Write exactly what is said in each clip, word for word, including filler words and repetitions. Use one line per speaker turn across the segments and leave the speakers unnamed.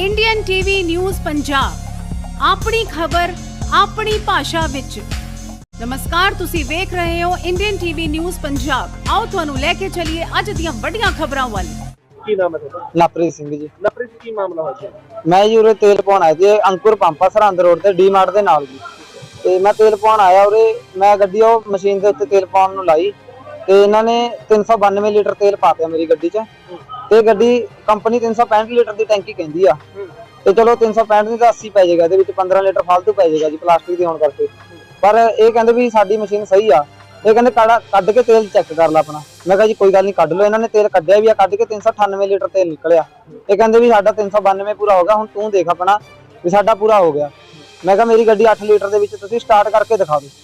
Indian TV news Punjab अपनी खबर अपनी भाषा विच। नमस्कार, तुसी वेख रहे हो इंडियन टीवी न्यूज़ पंजाब। आओ तुहानू लेके चलिए अज दियां वड्डियां खबरां वल।
ਕੀ ਨਾਮ ਹੈ ਤੁਹਾਡਾ?
ਲਵਪ੍ਰੀਤ ਸਿੰਘ ਜੀ।
ਲਵਪ੍ਰੀਤ ਕੀ ਮਾਮਲਾ ਹੋਇਆ?
ਮੈਂ ਜੀ ਉਰੇ ਤੇਲ ਪਾਉਣ ਆਇਆ ਸੀ ਅੰਕੁਰ ਪੰਪ ਆ ਸਰਹੰਦ ਰੋਡ ਤੇ ਡੀ ਮਾਰਟ ਦੇ ਨਾਲ ਜੀ। ਤੇ ਮੈਂ ਤੇਲ ਪਾਉਣ ਆਇਆ ਉਰੇ, ਮੈਂ ਗੱਡੀ ਉਹ ਮਸ਼ੀਨ ਦੇ ਉੱਤੇ ਤੇਲ ਪਾਉਣ ਨੂੰ ਲਾਈ ਤੇ ਇਹਨਾਂ ਨੇ ਤਿੰਨ ਸੌ ਬਾਨਵੇਂ ਲੀਟਰ ਤੇਲ ਪਾਤਿਆ ਮੇਰੀ ਗੱਡੀ 'ਚ। ਤੇ ਗੱਡੀ ਕੰਪਨੀ ਤਿੰਨ ਸੌ ਪੈਂਹਠ ਲੀਟਰ ਦੀ ਟੈਂਕੀ ਕਹਿੰਦੀ ਆ ਤੇ ਚਲੋ ਤਿੰਨ ਸੌ ਪੈਂਹਠ ਦੀ ਤਾਂ अस्सी ਪੈ ਜਾਏਗਾ, ਇਹਦੇ ਵਿੱਚ ਪੰਦਰਾਂ ਲੀਟਰ ਫालतू ਪੈ ਜਾਏਗਾ ਜੀ ਪਲਾਸਟਿਕ ਦੀ ਹੋਣ ਕਰਕੇ। ਪਰ ਇਹ ਕਹਿੰਦੇ ਵੀ ਸਾਡੀ ਮਸ਼ੀਨ ਸਹੀ ਆ, ਇਹ ਕਹਿੰਦੇ ਕਾੜਾ ਕੱਢ ਕੇ ਤੇਲ ਚੈੱਕ ਕਰ ਲੈ ਆਪਣਾ। ਮੈਂ ਕਿਹਾ ਜੀ ਕੋਈ ਗੱਲ ਨਹੀਂ ਕੱਢ ਲਓ। ਇਹਨਾਂ ਨੇ ਤੇਲ ਕੱਢਿਆ ਵੀ ਆ, ਕੱਢ ਕੇ ਤਿੰਨ ਸੌ ਅਠਾਨਵੇਂ ਲੀਟਰ ਤੇਲ ਨਿਕਲਿਆ। ਇਹ ਕਹਿੰਦੇ ਵੀ ਸਾਡਾ ਤਿੰਨ ਸੌ ਬਾਨਵੇਂ ਪੂਰਾ ਹੋ ਗਿਆ, ਹੁਣ ਤੂੰ ਦੇਖ ਆਪਣਾ ਵੀ ਸਾਡਾ ਪੂਰਾ ਹੋ ਗਿਆ। ਮੈਂ ਕਿਹਾ ਮੇਰੀ ਗੱਡੀ ਅੱਠ ਲੀਟਰ ਦੇ ਵਿੱਚ ਤੁਸੀਂ ਸਟਾਰਟ ਕਰਕੇ ਦਿਖਾ ਦਿਓ।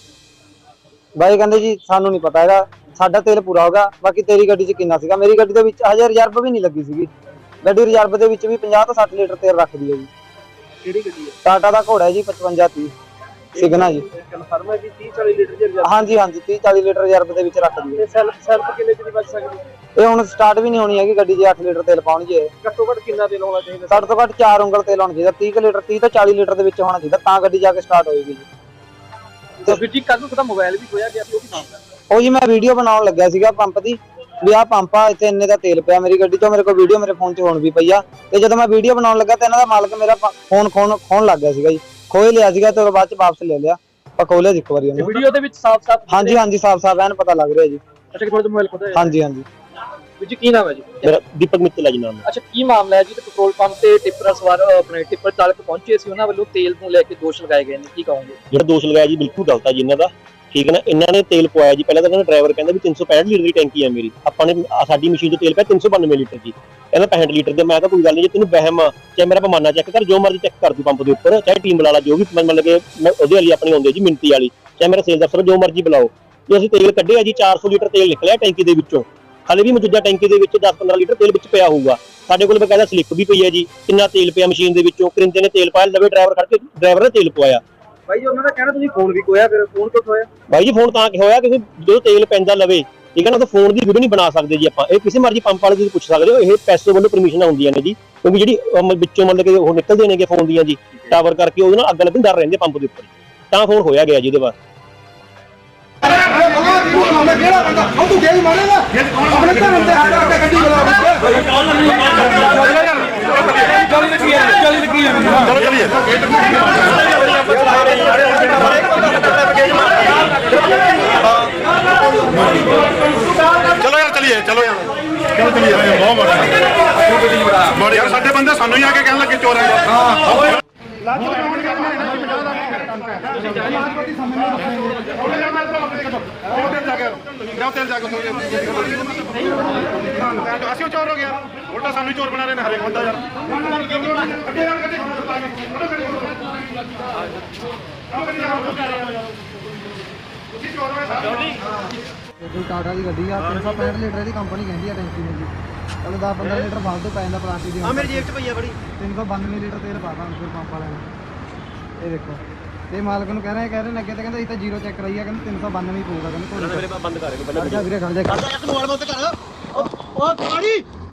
ਬਾਈ ਕਹਿੰਦੇ ਜੀ ਸਾਨੂੰ ਨਹੀਂ ਪਤਾ ਹੈਗਾ, ਸਾਡਾ ਤੇਲ ਪੂਰਾ ਹੋ ਗਿਆ, ਬਾਕੀ ਤੇਰੀ ਗੱਡੀ 'ਚ ਕਿੰਨਾ ਸੀਗਾ। ਮੇਰੀ ਗੱਡੀ ਦੇ ਵਿੱਚ ਹਜੇ ਰਿਜ਼ਰਵ ਵੀ ਨਹੀਂ ਲੱਗੀ ਸੀਗੀ। ਗੱਡੀ ਰਿਜ਼ਰਵ ਦੇ ਵਿੱਚ ਵੀ ਪੰਜਾਹ ਤੋਂ ਸੱਠ ਲੀਟਰ ਤੇਲ ਰੱਖਦੀ ਹੈ ਜੀ।
ਕਿਹੜੀ ਗੱਡੀ ਹੈ?
ਟਾਟਾ ਦਾ ਘੋੜਾ ਹੈ ਜੀ ਪਚਵੰਜਾ ਤੀਹ ਸਿਗਨਾ ਜੀ।
ਕਨਫਰਮ ਹੈ ਕਿ तीस चालीस ਲੀਟਰ ਦੀ ਰਿਜ਼ਰਵ?
ਹਾਂਜੀ ਹਾਂਜੀ ਤੀਹ ਚਾਲੀ ਲੀਟਰ ਰਿਜ਼ਰਵ ਦੇ ਵਿੱਚ ਰੱਖਦੀ ਹੈ।
ਤੇ ਸੈਲਫ ਸੈਲਫ ਕਿੰਨੇ ਚ ਦੀ ਬਚ ਸਕਦੀ?
ਇਹ ਹੁਣ ਸਟਾਰਟ ਵੀ ਨਹੀਂ ਹੋਣੀ ਹੈਗੀ ਗੱਡੀ ਜੇ ਅੱਠ ਲੀਟਰ ਤੇਲ ਪਾਉਣੀ ਜੇ।
ਘੱਟੋ ਘੱਟ ਕਿੰਨਾ ਤੇਲ ਹੋਣਾ ਚਾਹੀਦਾ?
ਘੱਟ ਤੋਂ ਘੱਟ ਚਾਰ ਉਂਗਲ ਤੇਲ ਹੋਣਾ ਚਾਹੀਦਾ। ਤੀਹ ਲੀਟਰ ਤੀਹ ਤੋਂ ਚਾਲੀ ਲੀਟਰ ਦੇ ਵਿੱਚ ਹੋਣਾ ਚਾਹੀਦਾ, ਤਾਂ ਗੱਡੀ ਜਾ ਕੇ ਸਟਾਰਟ ਹੋਏਗੀ ਜੀ।
ਤੇ ਵੀਰ ਜੀ ਕੱਲ ਨੂੰ ਤੁਹਾਡਾ ਮੋਬਾਈਲ ਵੀ ਖੋਇਆ ਗਿਆ ਸੀ, ਉਹ ਕੀ ਨਾਮ ਹੈ?
ਉਹ ਜੀ ਮੈਂ ਵੀਡੀਓ ਬਣਾਉਣ ਲੱਗਿਆ ਸੀਗਾ ਪੰਪ ਦੀ ਵੀ ਆਹ ਪੰਪ ਆ, ਇੱਥੇ ਇੰਨੇ ਦਾ ਤੇਲ ਪਿਆ ਮੇਰੀ ਗੱਡੀ 'ਚੋਂ। ਮੇਰੇ ਕੋਲ ਵੀਡੀਓ ਮੇਰੇ ਫੋਨ 'ਚ ਹੁਣ ਵੀ ਪਈ ਆ। ਤੇ ਜਦੋਂ ਮੈਂ ਵੀਡੀਓ ਬਣਾਉਣ ਲੱਗਾ ਤੇ ਇਹਨਾਂ ਦਾ ਮਾਲਕ ਮੇਰਾ ਫੋਨ ਖੋਣ ਖੋਣ ਲੱਗ ਗਿਆ ਸੀਗਾ ਜੀ। ਖੋਹ ਲਿਆ ਸੀਗਾ ਤੇ ਬਾਅਦ 'ਚ ਵਾਪਸ ਲੈ ਲਿਆ। ਆਪਾਂ ਖੋਲਿਆ ਇੱਕ ਵਾਰੀ ਉਹਨੂੰ।
ਵੀਡੀਓ ਦੇ ਵਿੱਚ ਸਾਫ਼-ਸਾਫ਼
ਹਾਂਜੀ ਹਾਂਜੀ ਸਾਫ਼ ਸਾਫ਼ ਐਨ ਪਤਾ ਲੱਗ ਰਿਹਾ ਜੀ।
ਅੱਛਾ, ਤੁਹਾਡਾ ਮੋਬਾਈਲ ਖੋਦਾ ਹੈ?
ਹਾਂਜੀ ਹਾਂਜੀ।
ਵੀਰ ਜੀ ਕੀ ਨਾਮ ਹੈ ਜੀ?
ਮੇਰਾ ਦੀਪਕ ਮਿੱਤਲ ਹੈ ਜੀ ਨਾਮ।
ਅੱਛਾ, ਕੀ ਮਾਮਲਾ ਹੈ ਜੀ? ਤੇ ਪੈਟਰੋਲ ਪੰਪ ਤੇ ਟਿੱਪਰ ਸਵਾਰ ਆਪਣੇ ਟਿੱਪਰ ਚਾਲਕ ਪਹੁੰਚੇ ਸੀ, ਉਹਨਾਂ ਵੱਲੋਂ ਤੇਲ ਨੂੰ ਲੈ ਕੇ ਦੋਸ਼ ਲਗਾਏ ਗਏ ਨੇ, ਕੀ ਕਹੋਗੇ?
ਜਿਹੜਾ ਦੋਸ਼ ਲਗਾਇਆ ਜੀ ਬਿਲਕੁਲ ਗਲਤ ਹੈ ਜੀ ਇਹਨਾਂ ਦਾ। ਠੀਕ ਹੈ ਨਾ, ਇਹਨਾਂ ਨੇ ਤੇਲ ਪਵਾਇਆ ਜੀ। ਪਹਿਲਾਂ ਤਾਂ ਇਹਨਾਂ ਡਰਾਈਵਰ ਕਹਿੰਦਾ ਵੀ ਤਿੰਨ ਸੌ ਪੈਂਹਠ ਲੀਟਰ ਦੀ ਟੈਂਕੀ ਹੈ ਮੇਰੀ, ਆਪਾਂ ਨੇ ਸਾਡੀ ਮਸ਼ੀਨ 'ਚ ਤੇਲ ਪਿਆ ਤਿੰਨ ਸੌ ਬਾਨਵੇਂ ਲੀਟਰ ਜੀ। ਕਹਿੰਦਾ ਪੈਂਹਠ ਲੀਟਰ ਦੇ। ਮੈਂ ਕਿਹਾ ਕੋਈ ਗੱਲ ਨਹੀਂ, ਜੇ ਤੈਨੂੰ ਵਹਿਮ ਆ ਚਾਹੇ ਮੇਰਾ ਪਮਾਨਾ ਚੈੱਕ ਕਰ, ਜੋ ਮਰਜ਼ੀ ਚੈੱਕ ਕਰ ਦੂ ਪੰਪ ਦੇ ਉੱਪਰ, ਚਾਹੇ ਟੀਮ ਬੁਲਾ ਲਾ, ਜੋ ਵੀ ਮਤਲਬ ਕਿ ਉਹਦੇ ਵਾਲੀ ਆਪਣੀ ਆਉਂਦੀ ਜੀ ਮਿੰਤੀ ਵਾਲੀ, ਚਾਹੇ ਮੇਰਾ ਸੇਲ ਦਫਤਰ ਜੋ ਮਰਜ਼ੀ ਬੁਲਾਓ। ਜੇ ਅਸੀਂ ਤੇਲ ਕੱਢਿਆ ਜੀ ਚਾਰ ਸੌ ਲੀਟਰ ਤੇਲ ਨਿਕਲਿਆ ਟੈਂਕੀ ਦੇ ਵਿੱਚੋਂ। ਹਾਲੇ ਵੀ ਮੌਜੂਦਾ ਟੈਂਕੀ ਦੇ ਵਿੱਚ ਦਸ ਪੰਦਰਾਂ ਲੀਟਰ ਤੇਲ ਵਿੱਚ ਪਿਆ ਹੋਊਗਾ। ਸਾਡੇ ਕੋਲ ਬਕਾਇਦਾ ਸਲਿੱਪ ਵੀ ਪਈ ਹੈ ਜੀ, ਕਿੰਨਾ ਤੇਲ ਪਿਆ ਮਸ਼ੀਨ ਦੇ ਵਿੱਚੋਂ। ਕਰਿੰਦੇ ਨੇ ਤੇਲ ਪਾਇਆ, ਲਵੇ ਡਰਾਈਵਰ ਖੜ ਕੇ ਡਰਾਈਵਰ ਨੇ ਤੇਲ ਪਵਾਇਆ।
ਬਾਈ ਜੀ ਉਹਨਾਂ ਦਾ ਕਹਿਣਾ ਤੁਸੀਂ ਫੋਨ ਵੀ ਖੋਇਆ, ਫਿਰ ਫੋਨ ਕਿਉਂ ਖੋਇਆ?
ਬਾਈ ਜੀ ਫੋਨ ਤਾਂ ਕਿ ਹੋਇਆ ਕਿਉਂਕਿ ਜਦੋਂ ਤੇਲ ਪੈਂਦਾ ਲਵੇ, ਠੀਕ ਹੈ ਨਾ, ਤਾਂ ਫੋਨ ਦੀ ਵੀਡੀਓ ਨਹੀਂ ਬਣਾ ਸਕਦੇ ਜੀ ਆਪਾਂ। ਇਹ ਕਿਸੇ ਮਰਜ਼ੀ ਪੰਪ ਵਾਲੇ ਤੁਸੀਂ ਪੁੱਛ ਸਕਦੇ ਹੋ, ਇਹ ਪੈਸੋ ਵੱਲੋਂ ਪਰਮਿਸ਼ਨਾਂ ਹੁੰਦੀਆਂ ਨੇ ਜੀ। ਕਿਉਂਕਿ ਜਿਹੜੀ ਵਿੱਚੋਂ ਮਤਲਬ ਕਿ ਉਹ ਨਿਕਲਦੇ ਨੇਗੇ ਫੋਨ ਦੀਆਂ ਜੀ ਟਾਵਰ ਕਰਕੇ, ਉਹਦੇ ਨਾਲ ਅੱਗ ਲੱਗਣ ਡਰ ਰਹਿੰਦੇ ਪੰਪ ਦੇ ਉੱਪਰ, ਤਾਂ ਫੋਨ ਹੋਇਆ ਗਿਆ ਜੀ ਇਹਦੇ ਬਾਅਦ।
चलो यार चलिए चलो यार क्यों चलिए बहुत बड़ा बड़े यार साडे बंदे सानू ही आके कहने लगे चोर है हां ਅਸੀਂ ਚੋਰ ਹੋ ਗਿਆ ਉਲਟਾ ਸਾਨੂੰ ਚੋਰ ਬਣਾ ਰਹੇ ਨੇ ਹਰੇਕ ਬੰਦਾ ਯਾਰ
ਟਾਟਾ ਦੀ ਗੱਡੀ ਆ, ਤਿੰਨ ਸੌ ਪੈਂਹਠ ਲੀਟਰ ਦੀ ਕੰਪਨੀ ਕਹਿੰਦੀ ਆ ਟੈਂਕੀ ਮੇਰੀ। ਚਲੋ ਦਸ ਪੰਦਰਾਂ ਲੀਟਰ ਫालतू ਪੈ ਜਾਂਦਾ ਪਲਾਸਟਿਕ ਦੀ। ਆ ਮੇਰੀ ਜੇਬ 'ਚ ਪਈ ਆ ਬੜੀ। ਤਿੰਨ ਸੌ ਬਾਨਵੇਂ ਲੀਟਰ ਤੇਲ ਪਾਤਾ ਅੰਕੁਰ ਪੰਪ ਵਾਲਿਆਂ ਨੇ। ਇਹ ਦੇਖੋ, ਤੇ ਮਾਲਕ ਨੂੰ ਕਹਿ ਰਹੇ ਕਹਿ ਰਹੇ ਨੇ ਅੱਗੇ ਤੇ ਕਹਿੰਦੇ ਅਸੀਂ ਤਾਂ ਜ਼ੀਰੋ ਚੈੱਕ ਕਰਾਈ ਆ, ਕਹਿੰਦੇ ਤਿੰਨ ਸੌ ਬਾਨਵੇਂ ਹੀ ਪਊਗਾ। ਕਹਿੰਦੇ
ਬੰਦ ਕਰ
ਵੀਰੇ ਖੜ ਜਾ, ਖੜ ਜਾ, ਖੜ ਜਾ,